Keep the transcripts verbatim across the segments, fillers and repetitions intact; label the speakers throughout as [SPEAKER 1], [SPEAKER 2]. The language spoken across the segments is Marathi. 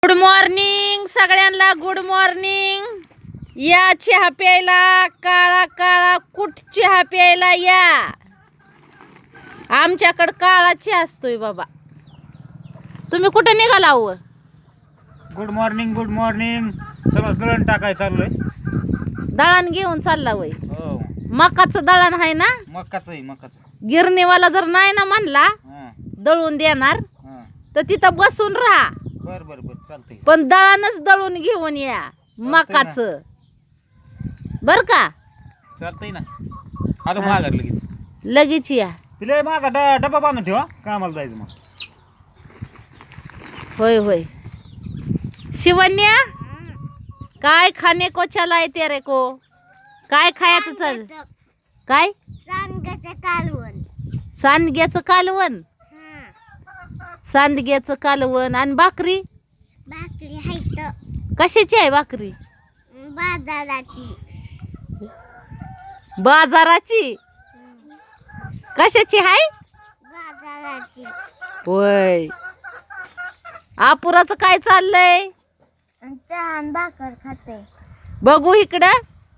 [SPEAKER 1] गुड मॉर्निंग सगळ्यांना, गुड मॉर्निंग. या चहा प्यायला, काळा काळा कुठ चहा प्यायला या. आमच्याकडं काळा चहा असतोय बाबा. तुम्ही कुठे निघाला हो?
[SPEAKER 2] Good morning, good morning. चला दळण टाकाय चाललोय.
[SPEAKER 1] दळण घेऊन चालला वय?
[SPEAKER 2] हो,
[SPEAKER 1] मकाचं दळण आहे ना?
[SPEAKER 2] मकाच आहे, मकाच.
[SPEAKER 1] गिरणीवाला जर नाही ना म्हणला
[SPEAKER 2] हां
[SPEAKER 1] दळून देणार
[SPEAKER 2] हां,
[SPEAKER 1] तर तिथं बसून राहा,
[SPEAKER 2] बर बर बर, चालतंय.
[SPEAKER 1] पण दळणच दळून घेऊन या मकाचं, बर का?
[SPEAKER 2] चालतंय ना. आता माघार लगेच
[SPEAKER 1] लगेच या.
[SPEAKER 2] तिला माझा ड- डबा बांधून ठेवा, कामाला जायचं मग.
[SPEAKER 1] होय होय. शिवन्या, काय खाणे को चलाय तेरे को? काय खायचं चाल? काय?
[SPEAKER 3] सांगायचं कालवण.
[SPEAKER 1] सांडग्याचं कालवण.
[SPEAKER 3] हा,
[SPEAKER 1] सांडग्याचं कालवण आणि भाकरी.
[SPEAKER 3] भाकरी हायत
[SPEAKER 1] कशाची आहे भाकरी?
[SPEAKER 3] बाजाराची.
[SPEAKER 1] बाजाराची. कशाची आहे?
[SPEAKER 3] बाजाराची.
[SPEAKER 1] होय. आपुराचं काय चाललंय?
[SPEAKER 3] चहा आणि भाकर खाते.
[SPEAKER 1] बघू इकडं,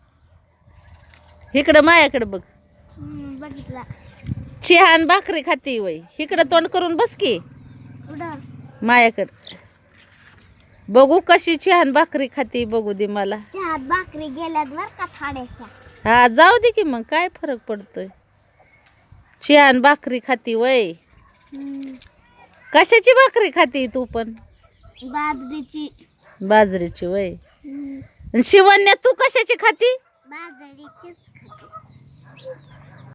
[SPEAKER 1] इकडं माझ्याकडं बघ.
[SPEAKER 3] हम्म, बघितला.
[SPEAKER 1] चहा आणि भाकरी खाती वय. इकडं तोंड करून बस की
[SPEAKER 3] उडा.
[SPEAKER 1] माझ्याकडं. बघू कशी चहा आणि भाकरी खाती, बघू दे मला.
[SPEAKER 3] चहा भाकरी गेल्यात बर का थोड्याशा.
[SPEAKER 1] हा जाऊ दे की, मग काय फरक पडतोय. चहा आणि भाकरी खाती वय.
[SPEAKER 3] हम्म,
[SPEAKER 1] कशाची भाकरी खाती तू पण?
[SPEAKER 3] बाजरीची.
[SPEAKER 1] बाजरीची वय.
[SPEAKER 3] हम्म,
[SPEAKER 1] आणि शिवण्या तू कशाची खाती?
[SPEAKER 3] बाजरीचीच खाते.